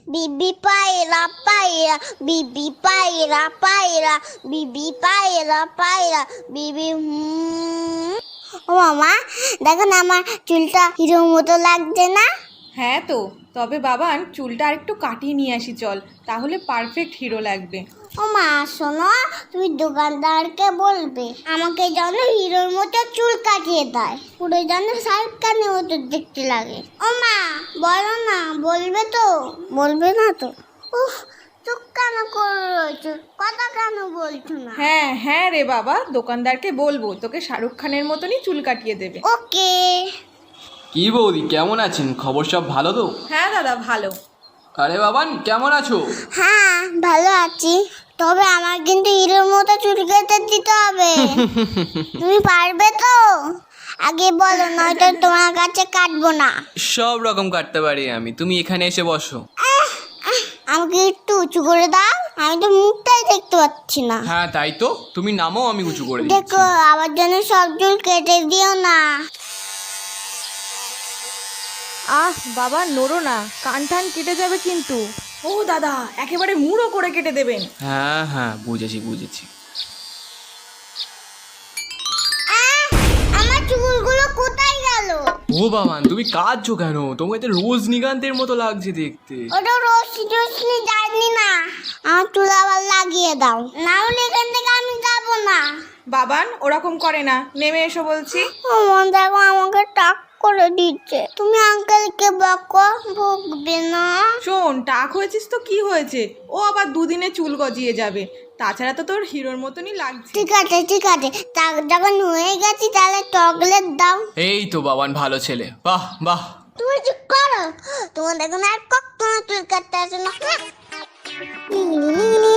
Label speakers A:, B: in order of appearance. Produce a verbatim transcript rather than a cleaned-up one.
A: বিবি পায়রা পায়রা বিবি পায়রা পায়রা বিবি পায়রা পায়রা বিবি হুম। ও মামা দেখো না আমার চুলটা হিরোর মতো লাগছে না?
B: হ্যাঁ তো, তবে বাবান চুলটা আরেকটু কাটিয়ে নিয়ে আসি চল, তাহলে পারফেক্ট হিরো লাগবে।
A: ও মা শোনো, তুমি দোকানদারকে বলবে আমাকে যেন হিরোর মতো চুল কাটিয়ে দেয়, পুরো যেন শাহরুখ খানের মতো দেখতে লাগে। ও মা বলো না, বলবে তো? বলবে না তো? উফ চুপ কেন করে রয়েছো, কথা কেন বলছো না?
B: হ্যাঁ হ্যাঁ রে বাবা, দোকানদারকে বলবো তোকে শাহরুখ খানের মতনই চুল কাটিয়ে দেবে।
A: ওকে।
C: কি বৌদি কেমন আছেন? খবর সব ভালো তো?
B: হ্যাঁ দাদা ভালো।
C: আরে বাবান কেমন আছো?
A: হ্যাঁ ভালো আছি, তবে আমার কিন্তু হিরোর মতো চুল কেটে দিতে হবে। তুমি পারবে তো? আগে বলো, নয়তো তোমার কাছে কাটবো না।
C: সব রকম কাটতে পারি আমি, তুমি এখানে এসে বসো।
A: আমাকে একটু উঁচু করে দাও, আমি তো মুখটাই দেখতে পাচ্ছি না।
C: হ্যাঁ তাই তো, তুমি নামও আমি উঁচু করে দিচ্ছি।
A: দেখো আমার জন্য সব চুল কেটে দিও না।
B: আহ বাবা নড়ো না, কান টান কেটে যাবে কিন্তু। ও দাদা একেবারে মুড়ো করে কেটে দেবেন।
C: হ্যাঁ হ্যাঁ বুঝেছি বুঝেছি।
A: আহ, আমার চুলগুলো কোথায় গেল?
C: ও বাবান তুমি কাঁদছো কেন? তোমাকে তো রজনীকান্তের মতো লাগছে দেখতে।
A: ওটা রশ্মি টশ্মি যায়নি না, আমার চুল আবার লাগিয়ে দাও, না হলে এখান থেকে আমি যাবো না।
B: বাবান ওরকম করে না, নেমে এসো বলছি।
A: আমার দেখো আমাকে টাক করে দিচ্ছে, তুমি আঙ্কেলকে বকো, বকবে না।
B: শোন, টাক হয়েছিস তো কি হয়েছে, ও আবার দুদিনে চুল গজিয়ে যাবে, তাছাড়া তো তোর হিরোর মতনই লাগছে।
A: ঠিক আছে ঠিক আছে, টাক যখন হয়ে গেছি তাহলে চকলেট দাও।
C: এই তো বাবান ভালো ছেলে, বাহ বাহ।
A: তুমি চুপ করো, তোমার দেখুন আর কখনো চুল কাটতে আসে না।